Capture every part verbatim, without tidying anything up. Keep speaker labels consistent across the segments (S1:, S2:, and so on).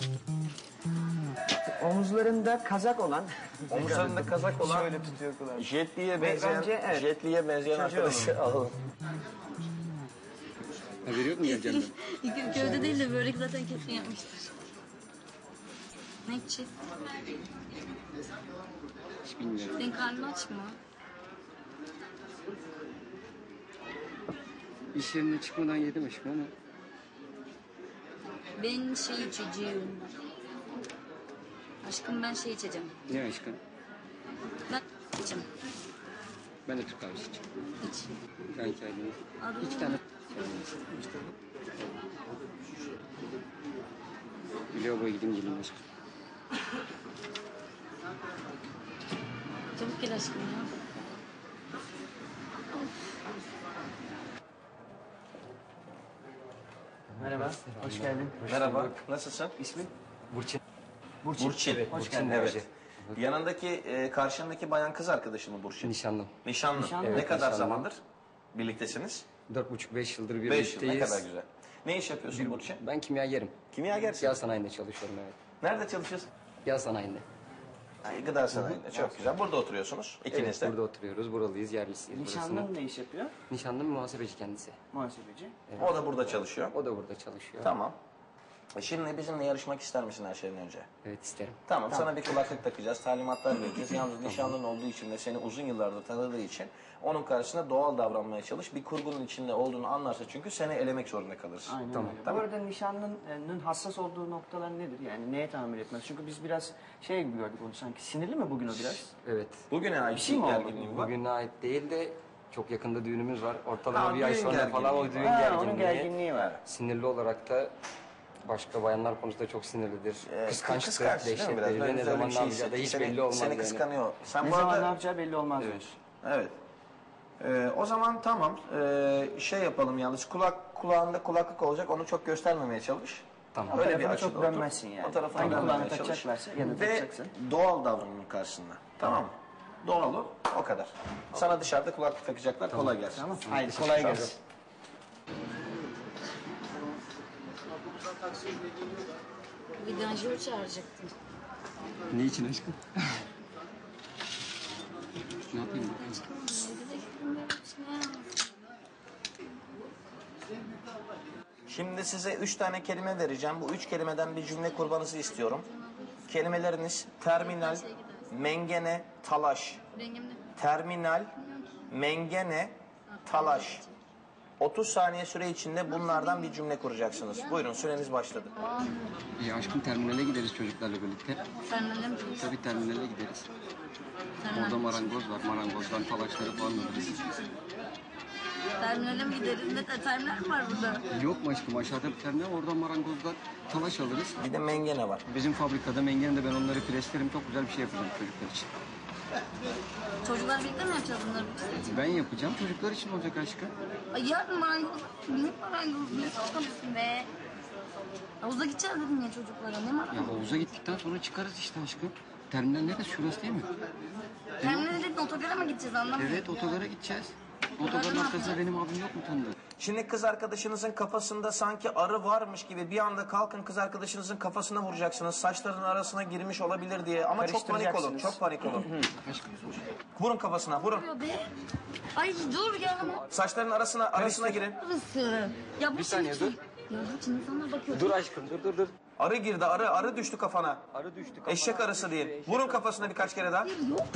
S1: Omuzlarında kazak olan...
S2: Omuzlarında kazak olan...
S1: Şöyle tutuyor kulağını.
S2: Jetli'ye benzeyen,
S1: bence, evet.
S2: Jetli'ye benzeyen arkadaşı alalım.
S3: Haberi yok mu geleceğim
S4: ben? Gövde değil de börek zaten kesin yapmıştır. Ne içecek?
S3: Hiç bilmiyorum.
S4: Senin karnın aç mı?
S3: İş yerine çıkmadan yedim aşkım ama.
S4: Ben şey içeceğim. Aşkım ben şey içeceğim.
S3: Ne aşkım?
S4: Ben içeceğim.
S3: Ben de Türk kahvesi içeceğim.
S4: İç.
S3: Ben kendime.
S4: Adını
S3: İki tane. Lavaboya gideyim geleyim aşkım.
S4: Çabuk gel aşkım ya.
S1: Merhaba, hoş geldin.
S2: Merhaba, nasılsın?
S1: İsmin?
S3: Burçin.
S2: Burçin. Burçin.
S1: Evet, hoş geldin.
S2: Evet. Yanındaki, e, karşındaki bayan kız arkadaşın mı Burçin?
S3: Nişanlım.
S2: Nişanlı.
S1: Nişanlı.
S2: Ne
S3: Evet,
S2: kadar
S3: nişanlı.
S2: zamandır birliktesiniz?
S3: Dört buçuk beş yıldır
S2: Beş yıl,
S3: birlikteyiz.
S2: ne kadar güzel. Ne iş yapıyorsun Burçin?
S3: Ben kimyagerim.
S2: Kimyagersin.
S3: Yağ sanayinde çalışıyorum evet.
S2: Nerede çalışıyorsun?
S3: Yağ sanayinde.
S2: Ay, gıda sanayinde. Çok güzel. Burada oturuyorsunuz ikiniz
S3: Evet,
S2: de.
S3: burada oturuyoruz. Buralıyız, yerlisiyiz.
S1: Nişanlın
S3: burasının.
S1: ne iş yapıyor?
S3: Nişanlım muhasebeci kendisi.
S1: Muhasebeci.
S2: O da burada çalışıyor.
S3: O da burada çalışıyor.
S2: Tamam. E şimdi bizimle yarışmak ister misin her şeyden önce?
S3: Evet isterim.
S2: Tamam, sana bir kulaklık takacağız, talimatlar vereceğiz. Yalnız nişanlın olduğu için ve seni uzun yıllardır tanıdığı için onun karşısında doğal davranmaya çalış. Bir kurgunun içinde olduğunu anlarsa çünkü seni elemek zorunda kalırsın.
S1: Aynen
S3: Tamam.
S1: öyle. Bu arada nişanlının hassas olduğu noktalar nedir? Yani neye tahammül etmez? Çünkü biz biraz şey gibi gördük onu sanki. Sinirli mi bugün o biraz?
S3: Evet.
S2: Bugüne ait
S1: Bir şey mi
S2: bir
S1: oldu?
S2: gerginliğin var.
S3: Bugüne ait değil de çok yakında düğünümüz var. Ortalama
S2: Ha,
S3: bir ay
S2: düğün
S3: sonra falan o
S2: gerginliği
S3: düğün
S1: Ha,
S3: gerginliği.
S1: onun gerginliği var.
S3: Sinirli olarak da başka bayanlar konusunda çok sinirlidir.
S2: Ee,
S3: Kıskançtır,
S2: kıskanç değil mi
S3: dehşet
S2: biraz?
S3: verir.
S2: Böyle
S3: Ne
S2: öyle
S3: zaman
S2: bir
S3: ne
S2: şey
S3: yapacağı da hiç
S2: hissettik.
S3: belli olmaz
S2: Seni
S3: yani.
S2: kıskanıyor. Sen
S1: Ne
S2: bu
S1: zaman
S2: arada...
S1: ne yapacağı belli olmaz
S3: Evet.
S1: diyorsun.
S2: Evet. Ee, o zaman tamam. Ee, şey yapalım yalnız. Kulak kulağında kulaklık olacak. Onu çok göstermemeye çalış.
S3: Tamam.
S2: Öyle
S1: O
S2: bir
S1: tarafına
S2: açıda
S1: çok
S2: otur.
S1: dönmezsin yani.
S2: O tarafına
S1: Hangi
S2: dönmemeye
S1: kulağını
S2: çalış.
S1: takacaklarsa ya da
S2: Ve
S1: takacaksın.
S2: doğal davranın karşısında. Tamam mı? Doğal ol. O kadar. Sana dışarıda kulaklık takacaklar. Kolay gelsin.
S1: Tamam. Haydi kolay
S2: Tamam.
S1: gelsin.
S4: Vidanjör çağıracaktım.
S3: Ne için aşkım? Ne yapayım?
S2: Şimdi size üç tane kelime vereceğim. Bu üç kelimeden bir cümle kurmanızı istiyorum. Kelimeleriniz terminal, mengene, talaş.
S4: Rengim ne?
S2: Terminal, mengene, talaş. otuz saniye süre içinde bunlardan bir cümle kuracaksınız. Buyurun, süreniz başladı.
S3: Ya aşkım terminale gideriz çocuklarla birlikte.
S4: Terminalle mi?
S3: Tabii terminale gideriz.
S4: Terminal.
S3: Orada marangoz var. Marangozdan talaşları falan alırız.
S4: Terminale mi gideriz? Ne terminal mi var burada?
S3: Yok mu aşkım? Aşağıda bir terminal. Oradan marangozdan talaş alırız.
S2: Bir de mengene var.
S3: Bizim fabrikada mengenede ben onları preslerim. Çok güzel bir şey yapacağım çocuklar için.
S4: Çocuklar birlikte mi yapacağız bunları?
S3: Ben yapacağım. Çocuklar için olacak aşkım.
S4: Ay yarın marangoz. Ne marangoz? Ne saçmalısın be? Havuza gideceğiz dedim ya çocuklara. Ne
S3: Ya
S4: marangoz?
S3: havuza gittikten sonra çıkarız işte aşkım. Terminal neresi? Şurası değil mi?
S4: Terminale dedin otogara mı gideceğiz anlamıyorum.
S3: Evet otogara gideceğiz. Otogarın arkasında benim abim yok mu tanıdığın?
S2: Şimdi kız arkadaşınızın kafasında sanki arı varmış gibi bir anda kalkın kız arkadaşınızın kafasına vuracaksınız. Saçlarının arasına girmiş olabilir diye. Ama çok panik olun, çok panik olun. Vurun kafasına, vurun.
S4: Oluyor be. Ay dur ya.
S2: Saçların arasına arasına girin.
S4: Burası. Ya bu
S3: Bir saniye,
S4: şimdi-
S3: dur.
S4: Ya bu için insanlar bakıyor.
S3: Dur aşkım dur dur dur.
S2: Arı girdi, arı, arı düştü kafana.
S3: Arı düştü kafana.
S2: Eşek arısı değil. Vurun kafasına birkaç kere daha.
S4: Hayır yok.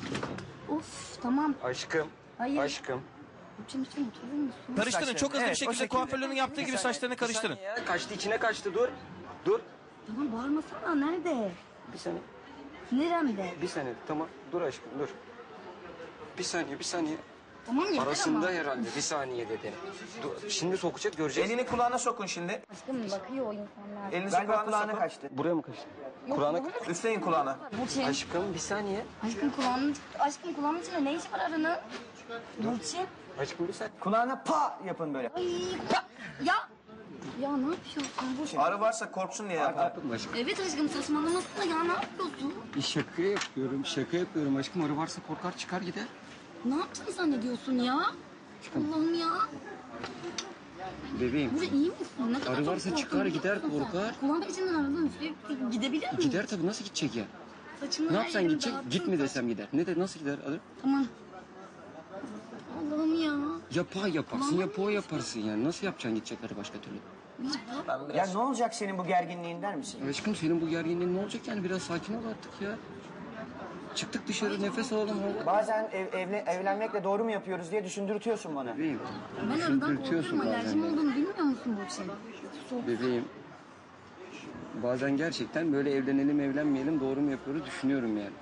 S4: Of tamam.
S3: Aşkım.
S4: Hayır.
S3: Aşkım.
S4: Şimdi lütfen oturur musun?
S2: Karıştırın, çok hızlı
S1: Evet,
S2: bir
S1: o
S2: şekilde
S1: şekilde.
S2: kuaförlüğünün yaptığı gibi saçlarını karıştırın.
S3: Ya, kaçtı içine kaçtı dur. Dur.
S4: Tamam bağırmasana nerede?
S3: Bir saniye.
S4: Neremde?
S3: Bir saniye tamam. Dur aşkım dur. Bir saniye bir saniye.
S4: Tamam yeter
S3: Arasında
S4: ama.
S3: herhalde bir saniye dedi. Dur, şimdi sokacak göreceğiz.
S2: Elini kulağına sokun şimdi.
S4: Aşkım bakıyor o insanlar.
S2: Elinizi
S1: Galiba
S2: kulağına,
S1: kulağına
S2: sokun.
S1: kaçtı.
S3: Buraya mı kaçtı?
S4: Yok,
S3: Kulağına...
S4: kulağına-
S2: Üfleyin kulağına.
S4: Burçin.
S3: Aşkım bir saniye.
S4: Aşkım kulağının, aşkım kulağının içinde ne işi var arının? Burçin.
S3: Aşkım bir saniye.
S1: Kulağına pa yapın böyle.
S4: Ay ya. Ya. Ya ne yapıyorsun Burçin?
S2: Arı varsa korksun diye yapar.
S3: Yaptım aşkım.
S4: Evet aşkım saçmalamasana ya ne yapıyorsun?
S3: Şaka yapıyorum, şaka yapıyorum aşkım. Arı varsa korkar çıkar gider.
S4: Ne yaptığını zannediyorsun ya? Allah'ım ya.
S3: Bebeğim.
S4: Burcu iyi misin? Ne kadar
S3: Arı
S4: çok
S3: varsa
S4: korktun,
S3: çıkar,
S4: biliyor
S3: gider,
S4: musun sen?
S3: korkar.
S4: Kulağın peşinden aradın. Sürekli gidebilir miyim?
S3: Gider tabii, nasıl gidecek ya?
S4: Saçımı
S3: Ne
S4: her
S3: yapsan
S4: yerime
S3: gidecek?
S4: dağıttın,
S3: Git mi
S4: saç-
S3: desem gider. Ne de nasıl gider Arı?
S4: Tamam. Allah'ım ya.
S3: Yapa yaparsın, yapa o yaparsın yani. Nasıl yapacaksın gidecek Arı başka türlü?
S2: Ben
S1: Ya
S2: biraz...
S1: ne olacak senin bu gerginliğin der misin?
S3: Aşkım senin bu gerginliğin ne olacak yani? Biraz sakin ol artık ya. Çıktık dışarı, nefes alalım.
S1: Bazen ev, evle, evlenmekle doğru mu yapıyoruz diye düşündürtüyorsun bana.
S3: Bebeğim.
S4: Ben aradan
S3: Düşündürtüyorsun
S4: korkuyorum.
S3: bazen
S4: Alerjim
S3: ya.
S4: olduğunu bilmiyor musun Burcu? Soğuk.
S3: Bebeğim. Bazen gerçekten böyle evlenelim evlenmeyelim doğru mu yapıyoruz düşünüyorum yani.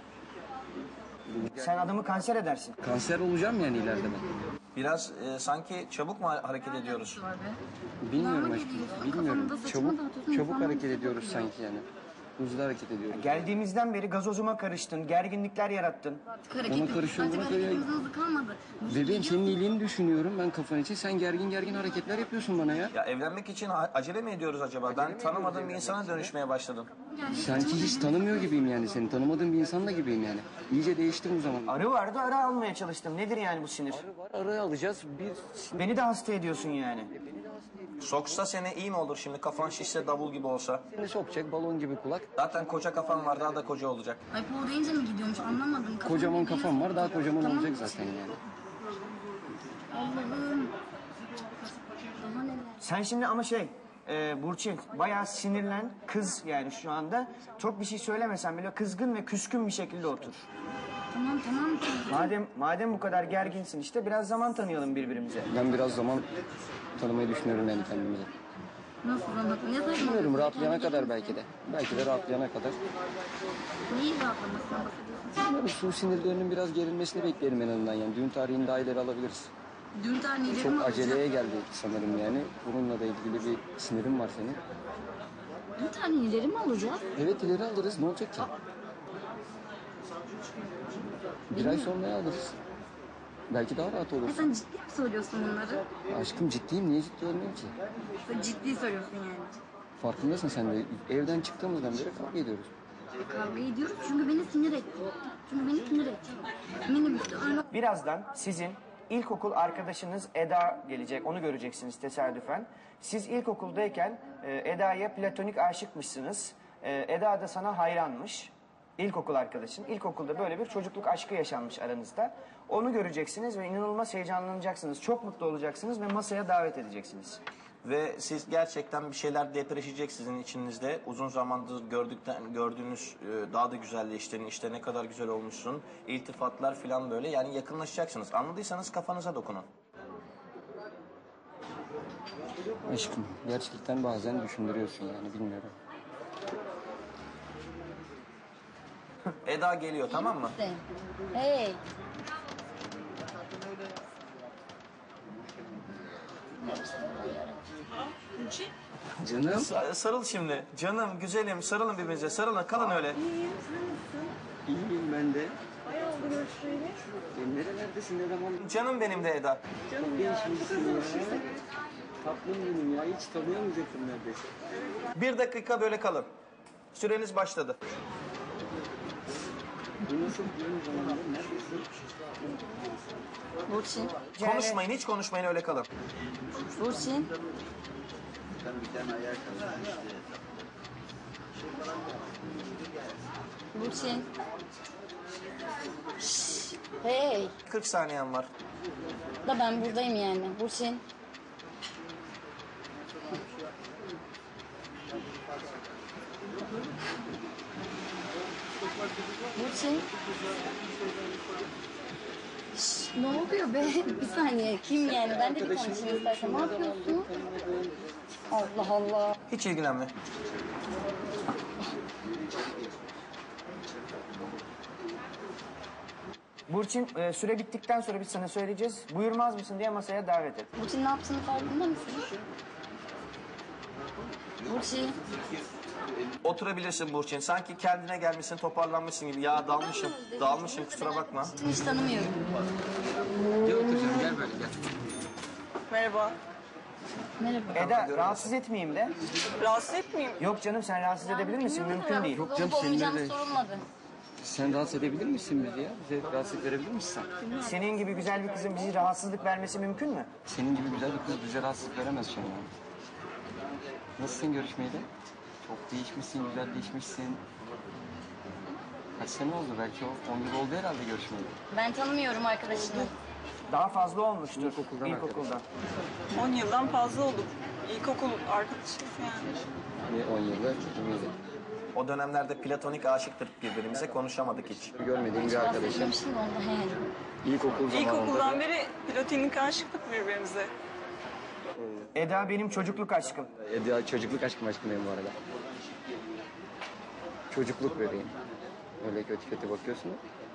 S1: Sen adamı kanser edersin.
S3: Kanser olacağım yani ileride ben.
S2: Biraz e, sanki çabuk mu hareket ediyoruz?
S4: Var be.
S3: Bilmiyorum
S4: Kulağıma
S3: aşkım,
S4: geliyorsun,
S3: bilmiyorum.
S4: kafamda saçımı
S3: Çabuk,
S4: dağıtıyorsun,
S3: çabuk
S4: insanlar
S3: hareket
S4: bizi
S3: ediyoruz
S4: korkuyor.
S3: sanki yani. Hızlı hareket ediyoruz.
S1: Geldiğimizden beri gazozuma karıştın, gerginlikler yarattın.
S3: Ona karışıyorum, buna karışıyorum.
S4: Hızlı kalmadı.
S3: Bebeğim senin iyiliğini düşünüyorum ben kafan için. Sen gergin gergin hareketler yapıyorsun bana ya.
S2: Ya evlenmek için a- acele mi ediyoruz acaba? Ben tanımadığım bir insana dönüşmeye başladım.
S3: Sanki hiç tanımıyor gibiyim yani seni. Tanımadığım bir insan da gibiyim yani. İyice değiştim o zaman.
S1: Arı vardı, arı almaya çalıştım. Nedir yani bu sinir?
S3: Var araya alacağız. Bir
S1: Beni de hasta ediyorsun yani.
S2: Soksa seni iyi mi olur şimdi? Kafan şişse davul gibi olsa.
S3: seni sokacak balon gibi kulak.
S2: Zaten koca kafan var, daha da koca olacak.
S4: Ay Paul deyince mi gidiyormuş anlamadım. Kafam
S3: Kocaman
S4: gidiyor.
S3: kafam var daha kocaman
S4: Tamam.
S3: olacak zaten yani.
S4: Allah'ım. Daha neler.
S1: Sen şimdi ama şey, e, Burçin bayağı sinirlen, kız yani şu anda. Çok bir şey söylemesen bile kızgın ve küskün bir şekilde otur.
S4: Tamam tamam.
S1: Madem madem bu kadar gerginsin işte biraz zaman tanıyalım birbirimize.
S3: Ben biraz zaman tanımayı düşünüyorum yani kendimize.
S4: Nasıl zaman? Ne zaman?
S3: Bilmiyorum rahatlayana kadar belki de. Belki de rahatlayana kadar.
S4: Neyi rahatlamasına bahsediyorsun?
S3: Bilmiyorum su sinirlerinin biraz gerilmesini bekleyelim en azından yani. Düğün tarihini daha ileri alabiliriz.
S4: Dün tarihleri
S3: Çok
S4: mi
S3: aceleye
S4: alacağım?
S3: geldi sanırım yani. Bununla da ilgili bir sinirim var senin.
S4: Dün tarihleri mi alacağız?
S3: Evet ileri alırız ne olacak ki? Bir ay sonra alırız. Belki daha rahat
S4: Ya
S3: olursun.
S4: sen ciddi mi söylüyorsun bunları?
S3: Aşkım ciddiyim niye ciddi olmayayım ki?
S4: Sen ciddi söylüyorsun yani.
S3: Farkındasın sen de. Evden çıktığımızdan beri kavga ediyoruz.
S4: Kavga ediyoruz çünkü beni sinir etti. Çünkü beni sinir etti. Minibüste öyle
S1: Birazdan sizin ilkokul arkadaşınız Eda gelecek. Onu göreceksiniz tesadüfen. Siz ilkokuldayken e, Eda'ya platonik aşıkmışsınız. E, Eda da sana hayranmış. İlkokul arkadaşın. İlkokulda böyle bir çocukluk aşkı yaşanmış aranızda. Onu göreceksiniz ve inanılmaz heyecanlanacaksınız. Çok mutlu olacaksınız ve masaya davet edeceksiniz.
S2: Ve siz gerçekten bir şeyler depreşecek sizin içinizde. Uzun zamandır gördükten gördüğünüz e, daha da güzelleştiğini, işte ne kadar güzel olmuşsun. İltifatlar falan böyle yani yakınlaşacaksınız. Anladıysanız kafanıza dokunun.
S3: Aşkım gerçekten bazen düşündürüyorsun yani bilmiyorum.
S2: Eda geliyor tamam mı?
S4: misin? Hey.
S3: Canım.
S2: Sa- sarıl şimdi. Canım, güzelim, sarılın birbirinize. Sarılın, kalın öyle.
S3: İyiyim ben de. Sen nerelerdesin ne zaman?
S2: Canım benim de Eda.
S3: Çok değişmişsin ya. Tatlım benim ya hiç tanıyamayacaktım neredeyse.
S2: Bir dakika böyle kalın. Süreniz başladı.
S3: Bu nasıl düğün zamanı neredesin?
S4: Burçin.
S2: Konuşmayın, hiç konuşmayın, öyle kalın.
S4: Burçin. Burçin. Şşş. Hey.
S2: kırk saniyen var.
S4: Da ben buradayım yani. Burçin. Burçin. Şşş, ne oluyor be? Bir saniye. Kim yani? Ben de bir konuşayım istersen. Ne yapıyorsun? Allah Allah.
S2: Hiç ilgilenme.
S1: Burçin e, süre bittikten sonra biz sana söyleyeceğiz. Buyurmaz mısın diye masaya davet et.
S4: Burçin ne yaptığını farkında mısın? Burçin.
S2: Oturabilirsin Burçin. Sanki kendine gelmişsin, toparlanmışsın gibi. Ya dalmışım, dalmışım, kusura bakma.
S4: Burçin'i hiç tanımıyorum.
S3: Gel oturacağım gel böyle gel.
S5: Merhaba.
S4: Merhaba.
S1: Eda rahatsız etmeyeyim de.
S5: Rahatsız etmeyeyim.
S1: Yok canım sen rahatsız edebilir misin? Mümkün değil.
S3: Yok canım,
S4: Olup olmayacağım
S3: seninle de-
S4: sorulmadı.
S3: Sen rahatsız edebilir misin bizi ya? Bize rahatsızlık verebilir misin sen?
S1: Senin gibi güzel bir kızın bizi rahatsızlık vermesi mümkün mü?
S3: Senin gibi güzel bir kız bize rahatsızlık veremez şu an. Nasılsın görüşmeyeli? Çok değişmişsin, güzel değişmişsin. Kaç sene oldu? Belki o on yıl oldu herhalde görüşmeyeli.
S4: Ben tanımıyorum arkadaşını.
S1: Daha fazla olmuştur.
S3: İlkokuldan
S1: İlkokuldan.
S5: on yıldan fazla olduk. İlkokul arkadaşıyız yani.
S3: Ne on yılda, on yılda.
S2: O dönemlerde platonik aşıktık birbirimize, konuşamadık hiç.
S3: Görmediğim bir arkadaşım.
S4: Bahsetmemiştim de onda he.
S3: İlkokul zamanında
S5: İlkokuldan
S3: da-
S5: beri platonik aşıktık birbirimize.
S1: Eda benim çocukluk aşkım.
S3: Eda çocukluk aşkım aşkım benim bu arada. Çocukluk bebeğim. Öyle kötü kötü bakıyorsun.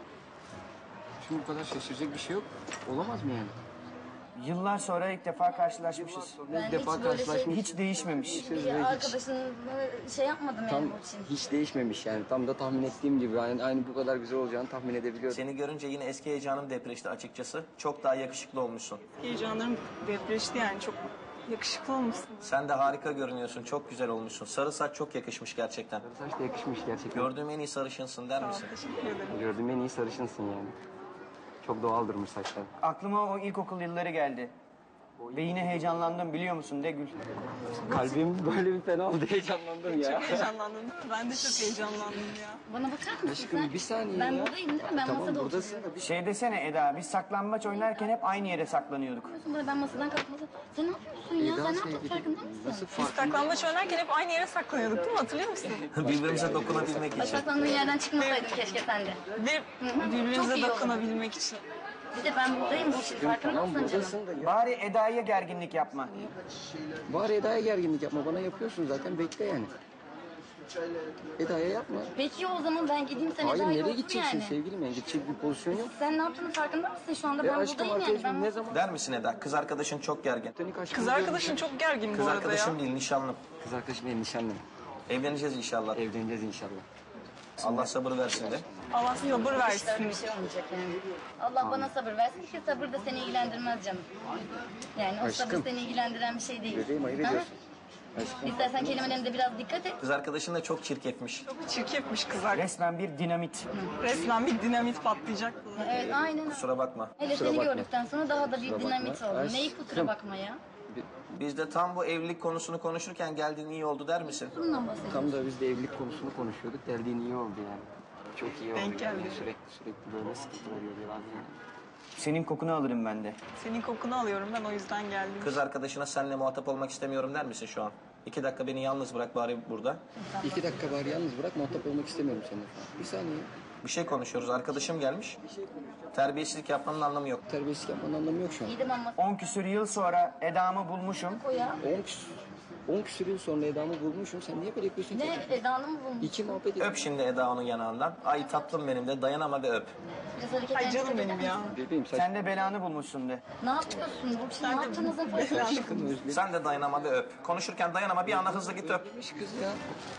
S3: Şimdi bu kadar şaşıracak bir şey yok. Olamaz mı yani?
S1: Yıllar sonra ilk defa karşılaşmışız.
S4: Ben
S3: İlk
S4: hiç
S3: defa
S4: böyle şey-
S3: karşılaşmış.
S1: Hiç değişmemiş.
S4: Bir arkadaşınla şey yapmadım
S3: Tam
S4: yani bu için.
S3: hiç değişmemiş yani. Tam da tahmin ettiğim gibi. Yani aynı bu kadar güzel olacağını tahmin edebiliyorum.
S2: Seni görünce yine eski heyecanım depreşti açıkçası. Çok daha yakışıklı olmuşsun.
S5: Heyecanlarım depreşti yani, çok yakışıklı olmuşsun.
S2: Sen de harika görünüyorsun, çok güzel olmuşsun. Sarı saç çok yakışmış gerçekten.
S3: Saç da yakışmış gerçekten.
S2: Gördüğüm en iyi sarışınsın der
S5: Sağ ol,
S2: misin?
S5: teşekkür ederim.
S3: Gördüğüm en iyi sarışınsın yani. Çok doğal durmuş saçlar.
S1: Aklıma o ilkokul yılları geldi. Ve yine heyecanlandım biliyor musun de Gül.
S3: Kalbim böyle bir fena oldu. Heyecanlandım ya.
S5: Çok heyecanlandım. Ben de çok heyecanlandım ya.
S4: Bana bakar mısın
S3: Aşkım
S4: sen?
S3: bir saniye
S4: Ben
S3: ya.
S4: buradayım değil mi? Ben
S3: Tamam
S4: masada
S3: buradasın
S4: oturuyorum.
S3: da bir
S1: Şey desene Eda, biz saklambaç oynarken hep aynı yere saklanıyorduk.
S4: Bana ben masadan kalkmadım. Sen ne yapıyorsun ya?
S3: Eda
S4: Sen ne yaptın
S3: sevgili,
S4: farkında mısın?
S3: nasıl
S5: Biz
S3: farkında?
S5: saklambaç oynarken hep aynı yere saklanıyorduk değil mi? Hatırlıyor musun?
S2: Birbirimize dokunabilmek
S4: Bak
S2: için.
S4: saklandığın yerden çıkmasaydın keşke sen de.
S5: Bir
S4: Çok
S5: birbirimize
S4: iyi oldu.
S5: dokunabilmek için.
S4: Bir de ben buradayım bu işin farkında
S3: Tamam
S4: mısın canım?
S3: buradasın da ya.
S1: Bari Eda'ya gerginlik yapma.
S3: Bari Eda'ya gerginlik yapma. Bana yapıyorsun zaten. Bekle yani. Eda'ya yapma.
S4: Peki o zaman ben gideyim sen
S3: Hayır
S4: Eda'yı
S3: nereye
S4: otur
S3: gideceksin
S4: yani.
S3: sevgilim? Yani gidecek bir pozisyon yok.
S4: Sen ne yaptığının farkında mısın şu anda?
S3: Ya
S4: Ben
S3: aşkım
S4: buradayım yani.
S3: arkadaşım
S4: Ben
S3: ne zaman?
S2: Der misin Eda? Kız arkadaşın çok gergin.
S3: Platonik aşkım
S5: Kız
S3: diyorum.
S5: arkadaşın çok gergin
S2: Kız
S5: bu arada ya.
S2: arkadaşım değil, nişanlım.
S3: Kız arkadaşım benim nişanlım.
S2: Evleneceğiz inşallah.
S3: Evleneceğiz inşallah.
S2: Allah sabır versin de.
S5: Allah sabır
S4: İşte
S5: versin.
S4: öyle bir şey olmayacak yani. Allah bana sabır versin ki sabır da seni ilgilendirmez canım. Yani o sabır
S3: Aşkım.
S4: seni ilgilendiren bir şey değil.
S3: Bebeğim ayıp
S4: Ha?
S3: ediyorsun. Aşkım.
S4: İstersen kelimelerine biraz dikkat et.
S2: Kız arkadaşın da çok çirkefmiş.
S5: Çok çirkefmiş kız arkadaş.
S1: Resmen bir dinamit.
S5: Resmen bir dinamit patlayacak.
S4: Evet aynen.
S2: Kusura bakma.
S4: Hele
S3: Kusura
S4: seni
S3: bakma.
S4: gördükten sonra daha da bir
S3: Kusura
S4: dinamit
S3: bakma.
S4: oldu.
S3: Aşkım.
S4: Neyi kusura bakma ya?
S2: Biz de tam bu evlilik konusunu konuşurken geldiğin iyi oldu der misin?
S4: Bundan bahsediyorum.
S3: Tam da biz de evlilik konusunu konuşuyorduk. Geldiğin iyi oldu yani. Çok iyi oldu.
S5: Denk
S3: yani.
S5: geldi.
S3: Sürekli sürekli böyle sıkıntılar görüyorlar yani.
S1: Senin kokunu alırım ben de.
S5: Senin kokunu alıyorum ben, o yüzden geldim.
S2: Kız arkadaşına seninle muhatap olmak istemiyorum der misin şu an? İki dakika beni yalnız bırak bari burada.
S3: İki dakika bari yalnız bırak. Muhatap olmak istemiyorum seninle. Bir saniye.
S2: Bir şey konuşuyoruz. Arkadaşım gelmiş. Terbiyesizlik yapmanın anlamı yok.
S3: Terbiyesizlik yapmanın anlamı yok şu an.
S4: İyi de ben masaya
S1: On küsür yıl sonra Eda'mı bulmuşum.
S4: koy ya.
S3: On küsür, on küsür yıl sonra Eda'mı bulmuşum. Sen niye böyle yapıyorsun ki?
S4: Ne Eda'nı mı bulmuş?
S3: İki muhabbet ediyoruz.
S2: Öp şimdi Eda onun yanağından. Ay tatlım benim de dayanama ve öp.
S4: Biraz hareket
S5: Ay canım
S4: eder
S5: benim ya.
S4: misin?
S3: Bebeğim saç...
S1: Sen de belanı bulmuşsun de.
S4: Ne yapıyorsun Burçin? Ne yaptığınızın farkında mısın?
S3: Aşkım özledim.
S2: Sen de dayanama ve öp. Konuşurken dayanama bir anda hızlı git öp.
S3: Özlemiş kız ya.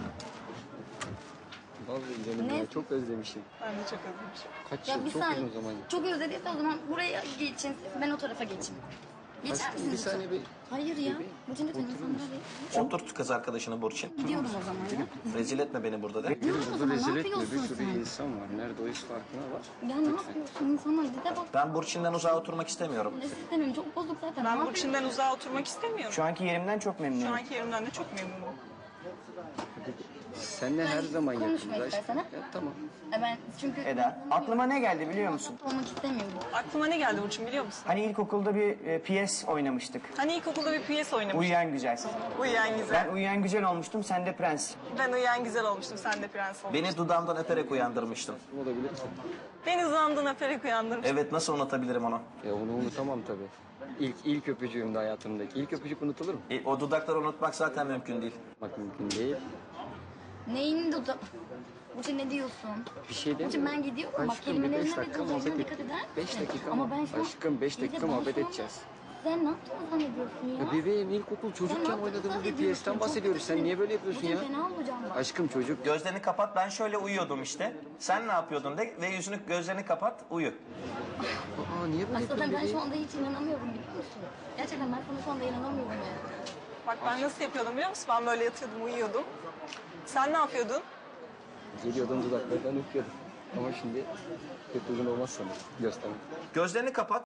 S3: Vallahi canım
S4: Ne?
S3: ya çok özlemişim.
S5: Ben de çok özlemişim.
S3: Kaç
S4: Ya
S3: yıl
S4: bir
S3: çok
S4: saniye.
S3: uzun o zaman.
S4: Çok özlediyse o zaman buraya geçin. Ben o tarafa geçeyim. Geçer
S3: Aşkım,
S4: misiniz?
S3: bir saniye bir-
S4: Hayır ya. Burçin lütfen insanlara değil.
S2: Oturt kız arkadaşını Burçin.
S4: Gidiyorum o zaman ya.
S2: Rezil etme beni burada de.
S3: Benim
S4: o
S3: burada
S4: zaman?
S3: rezil
S4: Ne
S3: etme. Bir
S4: yapıyorsun
S3: sürü
S4: sen?
S3: insan var. Nerede o iş farkına var.
S4: Ya ne yapıyorsun insanlar? Dide bak.
S2: Ben Burçin'den uzağa oturmak istemiyorum.
S4: Ne istemiyorum. Çok bozuk zaten. Ne
S5: Ben
S4: yapıyorsun?
S5: Burçin'den uzağa oturmak istemiyorum.
S1: Şu anki yerimden çok
S5: Şu
S1: memnunum.
S5: anki yerimden de çok memnunum.
S3: Seninle her zaman
S4: konuşma
S3: yakınız aşkım.
S4: istersen, ha?
S3: Ya, tamam.
S4: Ya ben çünkü
S1: Eda, aklıma ne geldi biliyor musun?
S4: olmak istemiyorum.
S5: Aklıma ne geldi Burçin biliyor musun?
S1: Hani ilkokulda bir e, piyes oynamıştık.
S5: Hani ilkokulda bir piyes oynamıştık.
S1: Uyuyan Güzel.
S5: Uyuyan güzel.
S1: Ben uyuyan güzel olmuştum, sen de prens.
S5: Ben uyuyan güzel olmuştum, sen de prens olmuştun.
S2: Beni dudağımdan öperek uyandırmıştın.
S3: Olabilir ki.
S5: Beni zandın öperek uyandırmıştın.
S2: Evet nasıl unutabilirim onu?
S3: Ya onu unutamam tabii. İlk, ilk öpücüğümde hayatımdaki. İlk öpücük unutulur mu?
S2: E, o dudakları unutmak zaten mümkün değil.
S3: Bak mümkün değil.
S4: Neyin dudu? Burçin ne diyorsun?
S3: Bir şey
S4: Burçin
S3: demiyorum.
S4: ben gidiyorum. Bak
S3: Aşkım bir
S4: kelimelerine
S3: beş
S4: ve
S3: dakika
S4: dozajına
S3: muhabbet
S4: dikkat
S3: et.
S4: eder misin?
S3: Beş dakika
S4: Ama
S3: mı?
S4: ben şu an...
S3: Aşkım beş
S4: İyi de
S3: dakika
S4: ben
S3: muhabbet
S4: şu an-
S3: edeceğiz.
S4: Sen ne yaptığını zannediyorsun ya?
S3: Ya bebeğim ilkokul çocukken
S4: Sen
S3: oynadığımız bir
S4: zannediyorsun?
S3: piyesten
S4: Çok
S3: bahsediyoruz. Sen
S4: kötü.
S3: niye böyle yapıyorsun
S4: Burçin
S3: ya?
S4: fena olacağım bak.
S3: Aşkım çocuk.
S2: Gözlerini kapat ben şöyle uyuyordum işte. Sen ne yapıyordun de ve yüzünü gözlerini kapat uyu.
S3: Aa niye böyle
S4: Aslında
S3: yapıyorsun
S4: ben şu
S3: bebeğim?
S4: anda hiç inanamıyorum biliyor musun? Gerçekten ben sana şu anda inanamıyorum ya.
S5: Bak ben nasıl yapıyordum biliyor musun? Ben böyle yatıyordum, uyuyordum. Sen ne yapıyordun?
S3: Geliyordum dudaklarından öpüyordum. Ama şimdi pek uygun olmaz sanırım göstermek.
S2: Gözlerini kapat.